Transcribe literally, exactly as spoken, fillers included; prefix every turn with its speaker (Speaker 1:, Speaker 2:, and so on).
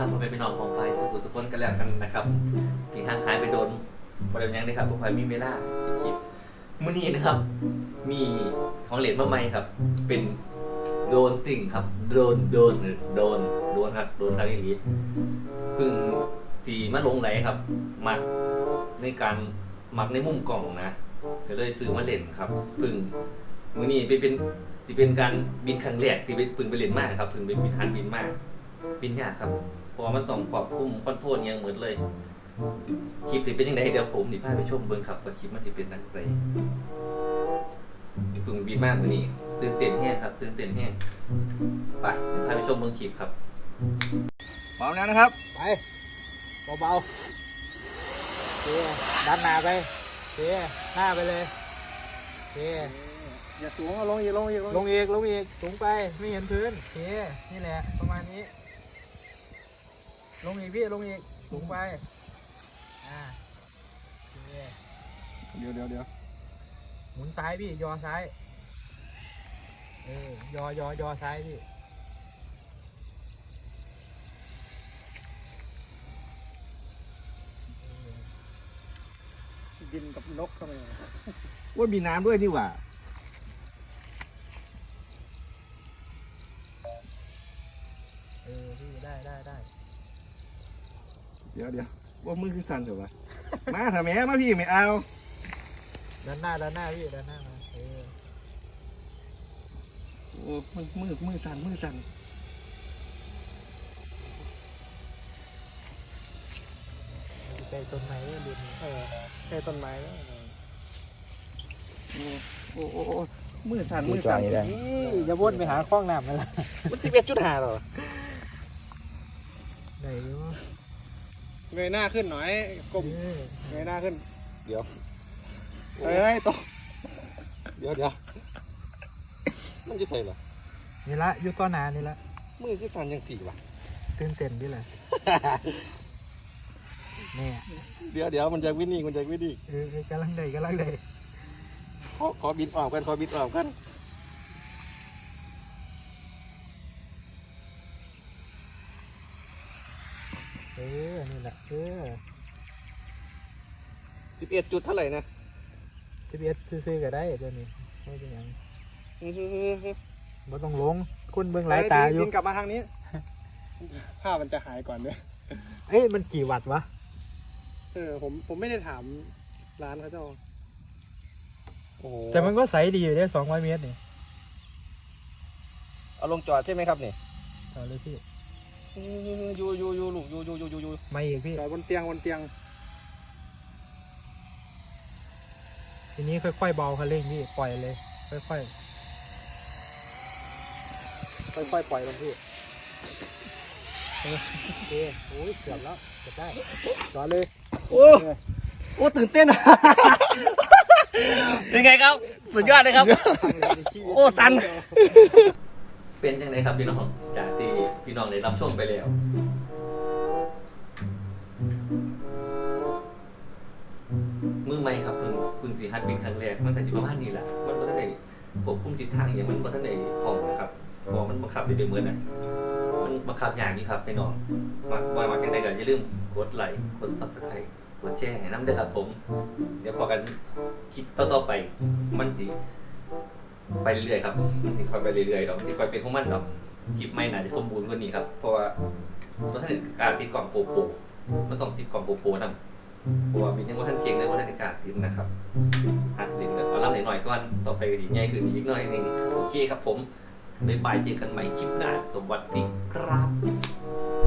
Speaker 1: ครับพ่อแม่พี่น้องของไฟสุขุสุขนกันแล้วกันนะครับที่ห่างหายไปโดนประเด็นยังได้ครับพวกไฟมีเวลาคลิปมื้อนี้นะครับ มีของเหรียญมาใหม่ครับ เป็นโดนสิ่งครับโดนโดนหรือโดนโดนครับโดนครับอย่างนี้เพิ่งสีมาลงไหลครับหมักในการหมักในมุมกล่องนะก็เลยซื้อมาเล่นครับเพิ่งมื้อนี้ไปเป็นสิเป็นการบินครั้งแรกที่ไปพึ่งไปเล่นมากครับเพิ่งไปบินหันบินมากบินยากครับเพราะมันต้องควบคุมคอนโทรลยังเหมือนเลยคลิปจะเป็นยังไงเดี๋ยวผมสิพาไปชมเบิ่งครับว่าคลิปมันจะเป็นยังไงเพิ่งบินมากมื้อนี้ตื่นเต้นแห้งครับตื่นเต้นแห้งไปเดี๋ยวพาไปชมเบิ่งคลิปครับพร้อมแล้วนะครับ
Speaker 2: ไปเบาๆเทีดันหน้าไปเทีหน้าไปเลยเที
Speaker 3: อย่าสูงเอาลงอีกลงอีก
Speaker 2: ลงอีกลงอีกสูงไปไม่เห็นพื้นเทีนี่แหละประมาณนี้ลงอีกพี่ลงอีกสูงไปอ่า
Speaker 3: เดี๋ยวเดี๋ยวเดี๋ยว
Speaker 2: หมุนซ้ายพี่ยอซ้ายเออยอยอยอซ้ายพี่
Speaker 3: บินกับนกทำไม
Speaker 4: ว่ามีน้ำด้วยนี่หว่า
Speaker 2: เออพี่ได้ได้ได้
Speaker 4: เดี๋ยวเดี๋ยวว่ามือคือสั่นเถอะวะ มาทำไมมาพี่ไม่เอา
Speaker 2: ด้านหน้าด้านหน้าพี่ด้านหน้ามาเออ
Speaker 4: โอ้มือมือมือสั่นมือสั่น
Speaker 2: ใกล้ต้นไม้เลยดูนี่เออ
Speaker 3: แค่ต้นไม้แล้ว
Speaker 4: โอ้โอ้โอ้มือสั่นมือสั่น
Speaker 2: อย่าวนไปหาคล้องน้ำนั่นแหละ
Speaker 4: มันสิบเอ็ดจุดห้าหรอ
Speaker 2: ไหนวะ
Speaker 3: เงยหน้าขึ้นหน่อยก้มเงยหน้าขึ้น
Speaker 4: เดี๋ยว
Speaker 3: เฮ้ยตก
Speaker 4: เดี๋ยวเดี๋ยวมันจะใส่หรอ
Speaker 2: นี่ละอยู่ต้นนานี่ละ
Speaker 4: มือคือสั่นยังสี่วะ
Speaker 2: ตื่นเต้นดิแหละเนี่ย
Speaker 4: เดี๋ยวเดี๋ยวมันจะวิ่งนี่มันจะวิ่งนี่
Speaker 2: เออกำลังได้กำลังได้
Speaker 4: ขอขอบินออกกันขอบินออกกัน
Speaker 2: เออนี่แหละเออ
Speaker 4: สิบเอ็ดจุดเท่าไหร่นะ
Speaker 2: สิบเอ็ดซื้อๆก็ได้เดี๋ยวนี้ไม่เป็นหยังบ่ต้องลงคุณเบิ่งหลายตาอยู่
Speaker 3: บินกลับมาทางนี้ภาพมันจะหายก่อนเนี่ย
Speaker 2: เอ้ยมันกี่วัตต์วะ
Speaker 3: เออผมผมไม่ได้ถามร้านเขาเจ้าโอ้โห
Speaker 2: แต่มันก็ใสดีอยู่ได้สองร้อยเมตรนี่
Speaker 4: เอาลงจอดใช่ไหมครับนี่
Speaker 2: ต่อเลยพี่
Speaker 4: ยูยูยูลูกยูยูยูยูยู
Speaker 2: ไม่อีกพี่
Speaker 3: จอดบนเตียงบนเตียง
Speaker 2: ทีนี้ค่อยๆเบาคันเร่งพี่ปล่อยเลยค่อยๆ ค่อยๆปล่อยลงพี่โอเคโอ้ยเกือบแล้วเกือบได้จอดเลย
Speaker 4: โอ้โอ้ตื่นเต้น เป็นไงครับสุดยอดเลยครับ โอ้สัน
Speaker 1: เป็นยังไงครับพี่น้องจากที่พี่น้องได้รับชมไปแล้วมือใหม่ครับเพิ่งเพิ่งสีฮัดบินครั้งแรกมันแต่ที่ประมาณนี้แหละมันบ่ทันได้ควบคุมทิศทางอย่างมันบ่ทันได้คล่องนะครับเพอมันบังคับได้เป็นเหมือนน่ะมันบังคับอย่างนี้ครับพี่น้องมาว่ามากันได้ก็อย่าลืมกดไลค์กด ซับสไครบ์ กดแชร์ให้น้ำด้วยครับผมเดี๋ยวพอกันคลิปต่อๆไปมันสิไปเรื่อยๆครับมันสิค่อยไปเรื่อยๆดอกมันสิค่อยเป็นของมันดอกคลิปไม่น่าจะสมบูรณ์กว่านี้ครับเพราะว่าตัวท่านการติดกล่องโปโปมันต้องติดกล่องโปโปนำเพราะว่ามียังว่าท่านเก่งเลยว่าท่านการติดนะครับอ่ะเดี๋ยวเอาล่ำหน่อยๆก่อนต่อไปก็สิใหญ่ขึ้นอีกหน่อยนึงโอเคครับผมบ๊ายบายเจอกันใหม่คลิปหน้าสวัสดีครับ